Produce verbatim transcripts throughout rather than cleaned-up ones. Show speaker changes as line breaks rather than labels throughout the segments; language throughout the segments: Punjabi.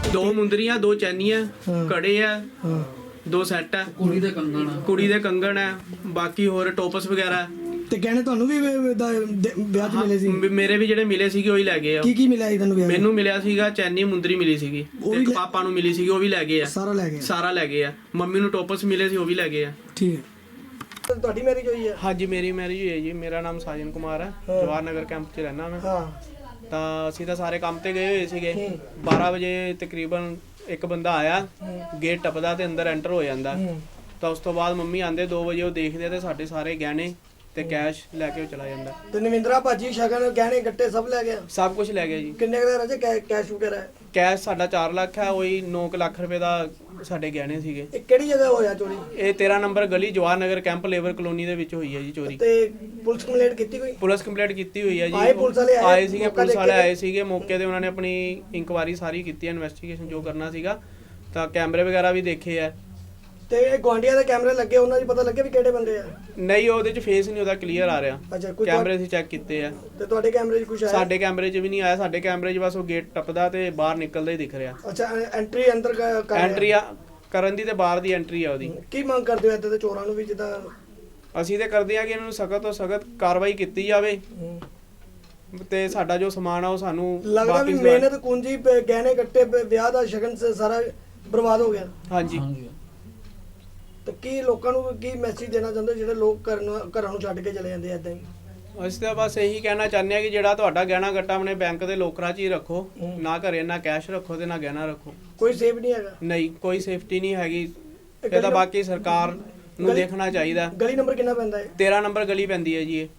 ਦੋ ਮੁੰਦਰੀਆਂ, ਦੋ ਚੈਨੀਆਂ, ਕੜੇ ਆ, ਦੋ ਸੈੱਟ ਆ, ਕੁੜੀ ਦੇ ਕੰਗਣ ਆ, ਕੁੜੀ ਦੇ ਕੰਗਣ ਆ, ਬਾਕੀ ਹੋਰ ਟੋਪਸ ਵਗੈਰਾ।
ਤੇ ਕਹਿੰਦੇ ਤੁਹਾਨੂੰ ਵੀ ਵਿਆਹ 'ਚ ਮਿਲੇ ਸੀ?
ਮੇਰੇ ਵੀ ਜਿਹੜੇ ਮਿਲੇ ਸੀਗੇ ਉਹੀ ਲੈ ਗਏ ਆ।
ਕੀ ਕੀ ਮਿਲਿਆ ਸੀ ਤੁਹਾਨੂੰ ਵਿਆਹ? ਮੈਨੂੰ
ਮਿਲਿਆ ਸੀਗਾ ਚੈਨੀ, ਮੁੰਦਰੀ ਮਿਲੀ ਸੀਗੀ, ਇੱਕ ਪਾਪਾ ਨੂੰ ਮਿਲੀ ਸੀਗੀ, ਉਹ ਵੀ ਲੈ ਗਏ ਆ।
ਸਾਰਾ ਲੈ ਗਏ?
ਸਾਰਾ ਲੈ ਗਏ ਆ। ਮੰਮੀ ਨੂੰ ਟੋਪਸ ਮਿਲੇ ਸੀ, ਉਹ ਵੀ ਲੈ ਗਏ ਆ।
ਠੀਕ ਹੈ। ਤੁਹਾਡੀ ਮੈਰਿਜ ਹੋਈ ਹੈ?
ਹਾਂਜੀ, ਮੇਰੀ ਮੈਰਿਜ ਹੋਈ ਹੈ ਜੀ। ਮੇਰਾ ਨਾਮ ਸਾਜਨ ਕੁਮਾਰ ਹੈ, ਜਵਾਹਰ ਨਗਰ ਕੈਂਪ 'ਚ ਰਹਿਣਾ ਮੈਂ।
ਹਾਂ।
ਤਾਂ ਅਸੀਂ ਤਾਂ ਸਾਰੇ ਕੰਮ ਤੇ ਗਏ ਹੋਏ ਸੀਗੇ। ਬਾਰਾਂ ਵਜੇ ਤਕਰੀਬਨ ਇੱਕ ਬੰਦਾ ਆਇਆ, ਗੇਟ ਟੱਪਦਾ ਤੇ ਅੰਦਰ ਐਂਟਰ ਹੋ ਜਾਂਦਾ। ਤਾਂ ਉਸ ਤੋਂ ਬਾਅਦ ਮੰਮੀ ਆਂਦੇ ਦੋ ਵਜੇ, ਉਹ ਦੇਖਦੇ ਤੇ ਸਾਡੇ ਸਾਰੇ ਗਹਿਣੇ ਤੇ ਕੈਸ਼ ਲੈ ਕੇ ਉਹ ਚਲਾ ਜਾਂਦਾ।
ਤੇ ਨਵਿੰਦਰਾ ਭਾਜੀ ਸ਼ਗਨ ਗਹਿਣੇ ਗੱਟੇ ਸਭ ਲੈ ਗਿਆ? ਸਭ
ਕੁਝ ਲੈ ਗਿਆ ਜੀ।
ਕਿੰਨੇ ਦਾ ਰਾਜੇ ਕੈਸ਼ ਵਗੈਰਾ?
ਕੈਸ਼ ਸਾਡਾ ਚਾਰ ਲੱਖ ਹੈ, ਉਹੀ ਨੌ ਲੱਖ ਰੁਪਏ ਦਾ ਸਾਡੇ ਗਹਿਣੇ ਸੀਗੇ।
ਇਹ ਕਿਹੜੀ ਜਗ੍ਹਾ ਹੋਇਆ ਚੋਰੀ?
ਇਹ ਤੇਰਾਂ ਨੰਬਰ ਗਲੀ, Jawahar Nagar camp labour colony ਦੇ ਵਿੱਚ ਹੋਈ ਹੈ ਜੀ ਚੋਰੀ।
ਤੇ ਪੁਲਿਸ ਕੰਪਲੇਂਟ ਕੀਤੀ ਕੋਈ? ਪੁਲਿਸ
ਕੰਪਲੇਂਟ ਕੀਤੀ ਹੋਈ ਹੈ ਜੀ।
ਆਏ ਪੁਲਿਸ ਵਾਲੇ?
ਆਏ ਸੀਗੇ, ਪੁਲਿਸ ਵਾਲੇ ਆਏ ਸੀਗੇ ਮੌਕੇ ਤੇ। ਉਹਨਾਂ ਨੇ ਆਪਣੀ ਇਨਕੁਆਇਰੀ ਸਾਰੀ ਕੀਤੀ ਹੈ, ਇਨਵੈਸਟੀਗੇਸ਼ਨ ਜੋ ਕਰਨਾ ਸੀਗਾ। ਤਾਂ ਕੈਮਰੇ ਵਗੈਰਾ ਵੀ ਦੇਖੇ ਆ। ਤੇ ਗਵਾਂਡੀਆਂ ਦੇ ਕੈਮਰੇ ਲੱਗੇ, ਉਹਨਾਂ ਦੀ ਪਤਾ ਲੱਗਿਆ ਵੀ ਕਿਹੜੇ ਬੰਦੇ ਆ? ਨਹੀਂ, ਉਹਦੇ 'ਚ ਫੇਸ ਨਹੀਂ ਉਹਦਾ ਕਲੀਅਰ ਆ ਰਿਹਾ। ਅੱਛਾ, ਕੋਈ ਕੈਮਰੇ ਅਸੀਂ ਚੈੱਕ ਕੀਤੇ ਆ। ਤੇ ਤੁਹਾਡੇ ਕੈਮਰੇ 'ਚ ਕੁਝ ਆਇਆ? ਸਾਡੇ ਕੈਮਰੇ 'ਚ ਵੀ ਨਹੀਂ ਆਇਆ। ਸਾਡੇ ਕੈਮਰੇ 'ਚ ਬਸ ਉਹ ਗੇਟ ਟੱਪਦਾ ਤੇ ਬਾਹਰ ਨਿਕਲਦਾ ਹੀ ਦਿਖ ਰਿਹਾ। ਅੱਛਾ, ਐਂਟਰੀ ਅੰਦਰ ਕਰ ਐਂਟਰੀ ਕਰਨ ਦੀ ਤੇ ਬਾਹਰ ਦੀ ਐਂਟਰੀ ਆ ਉਹਦੀ। ਕੀ ਮੰਗ ਕਰਦੇ ਹੋ ਇੱਦਾਂ ਦੇ ਚੋਰਾਂ ਨੂੰ ਵੀ? ਜਿੱਦਾਂ ਅਸੀਂ ਤੇ ਕਰਦੇ ਆ ਕਿ ਇਹਨਾਂ ਨੂੰ ਸਖਤ ਤੋਂ ਸਖਤ ਕਾਰਵਾਈ ਕੀਤੀ ਜਾਵੇ ਤੇ ਸਾਡਾ ਜੋ ਸਮਾਨ ਆ ਉਹ ਸਾਨੂੰ ਲੱਗਦਾ ਵੀ ਮਿਹਨਤ ਕੁੰਜੀ ਗਹਿਣੇ ਗੱਟੇ ਵਿਆਹ ਦਾ ਸ਼ਗਨ ਸਾਰਾ ਬਰਬਾਦ ਹੋ ਗਿਆ। ਹਾਂਜੀ। ਤੇ ਕੀ ਲੋਕਾਂ ਨੂੰ ਕੀ ਮੈਸੇਜ ਦੇਣਾ ਚਾਹੁੰਦੇ ਜਿਹੜੇ ਲੋਕ ਘਰਾਂ ਨੂੰ ਛੱਡ ਕੇ ਚਲੇ ਜਾਂਦੇ ਏਦਾਂ ਹੀ? ਅਸੀਂ ਤਾਂ ਬਸ ਇਹੀ ਕਹਿਣਾ ਚਾਹੁੰਦੇ ਆ ਕਿ ਜਿਹੜਾ ਤੁਹਾਡਾ ਗਹਿਣਾ ਗੱਟਾ ਆਪਣੇ ਬੈਂਕ ਦੇ ਲੋਕਰਾਂ 'ਚ ਹੀ ਰੱਖੋ, ਨਾ ਘਰੇ ਨਾ ਕੈਸ਼ ਰੱਖੋ ਤੇ ਨਾ ਗਹਿਣਾ ਰੱਖੋ। ਕੋਈ ਸੇਫ ਨਹੀਂ ਹੈਗਾ? ਨਹੀਂ, ਕੋਈ ਸੇਫਟੀ ਨਹੀਂ ਹੈਗੀ। ਇਹ ਤਾਂ ਬਾਕੀ ਸਰਕਾਰ ਨੂੰ ਦੇਖਣਾ ਚਾਹੀਦਾ। ਗਲੀ ਨੰਬਰ ਕਿੰਨਾ ਪੈਂਦਾ ਹੈ? ਤੇਰਾਂ ਨੰਬਰ ਗਲੀ ਪੈਂਦੀ ਹੈ ਜੀ ਇਹ।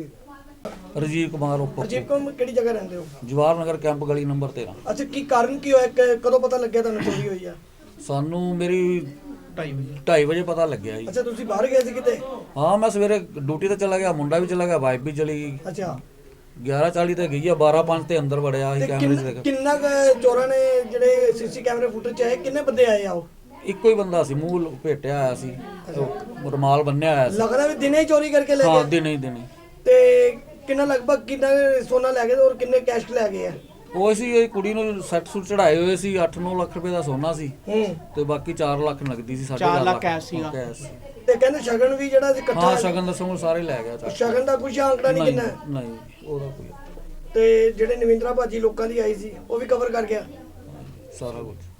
ਰਜੀਵ ਕੁਮਾਰ ਉੱਪਰ।
ਰਜੀਵ ਕੁਮਾਰ ਕਿਹੜੀ ਜਗ੍ਹਾ ਰਹਿੰਦੇ ਹੋ?
ਜਵਾਹਰ ਨਗਰ ਕੈਂਪ ਗਲੀ ਨੰਬਰ ਤੇਰਾਂ।
ਅੱਛਾ, ਕੀ ਕਾਰਨ ਕੀ ਹੋਇਆ? ਕਦੋਂ ਪਤਾ ਲੱਗਿਆ ਤੁਹਾਨੂੰ ਚੋਰੀ ਹੋਈ ਆ?
ਸਾਨੂੰ ਮੇਰੀ ਢਾਈ ਵਜੇ ਪਤਾ ਲੱਗਿਆ ਜੀ।
ਅੱਛਾ, ਤੁਸੀਂ ਬਾਹਰ ਗਏ ਸੀ ਕਿਤੇ?
ਹਾਂ, ਮੈਂ ਸਵੇਰੇ ਡਿਊਟੀ ਤੇ ਚਲਾ ਗਿਆ, ਮੁੰਡਾ ਵੀ ਚਲਾ ਗਿਆ, ਵਾਈਫ ਵੀ ਚਲੀ ਗਈ।
ਅੱਛਾ।
ਗਿਆਰਾਂ ਚਾਲੀ ਤੇ ਗਈ ਆ, ਬਾਰਾਂ ਪੰਜ ਤੇ ਅੰਦਰ ਵੜਿਆ ਸੀ ਕੈਮਰੇ 'ਚ ਦੇਖ।
ਕਿੰਨਾ ਚੋਰਾਂ ਨੇ ਜਿਹੜੇ ਸੀਸੀ ਕੈਮਰੇ ਫੁਟੇਜ 'ਚ ਆਏ, ਕਿੰਨੇ ਬੰਦੇ ਆਏ ਆ? ਉਹ
ਇੱਕੋ ਹੀ ਬੰਦਾ ਸੀ, ਮੂੰਹ ਲਪੇਟਿਆ ਆਇਆ ਸੀ, ਰੁਮਾਲ ਬੰਨਿਆ ਹੋਇਆ ਸੀ।
ਲੱਗਦਾ ਵੀ ਦਿਨੇ ਹੀ ਚੋਰੀ ਕਰਕੇ ਲੈ ਗਏ?
ਹਾਂ, ਦਿਨੇ ਹੀ ਦਿਨੇ।
ਤੇ ਕਿੰਨਾ ਲਗਭਗ ਕਿੰਨਾ ਸੋਨਾ ਲੈ ਗਏ ਔਰ ਕਿੰਨੇ ਕੈਸ਼ ਲੈ ਗਏ ਆ?
ਉਹ ਸੀ ਇਹ ਕੁੜੀ ਨੂੰ ਸੈੱਟ ਸੂਟ ਚੜਾਏ ਹੋਏ ਸੀ, ਅੱਠ ਨੌ ਲੱਖ ਰੁਪਏ ਦਾ ਸੋਨਾ ਸੀ ਤੇ ਬਾਕੀ ਚਾਰ ਲੱਖ ਨਗਦੀ ਸੀ।
ਚਾਰ ਲੱਖ ਕੈਸ਼ ਸੀਗਾ।
ਤੇ ਕਹਿੰਦੇ ਸ਼ਗਨ ਵੀ ਜਿਹੜਾ ਇਕੱਠਾ?
ਹਾਂ, ਸ਼ਗਨ ਦਾ ਸੋਨਾ ਸਾਰੇ ਲੈ ਗਿਆ।
ਸ਼ਗਨ ਦਾ ਕੁਝ ਆਂਕੜਾ ਨਹੀਂ ਕਿੰਨਾ?
ਨਹੀਂ, ਉਹਦਾ ਕੋਈ।
ਤੇ ਜਿਹੜੇ ਨਵਿੰਦਰਾ ਭਾਜੀ ਲੋਕਾਂ ਦੀ ਆਈ ਸੀ ਉਹ ਵੀ ਕਵਰ ਕਰ ਗਿਆ
ਸਾਰਾ ਕੁਝ।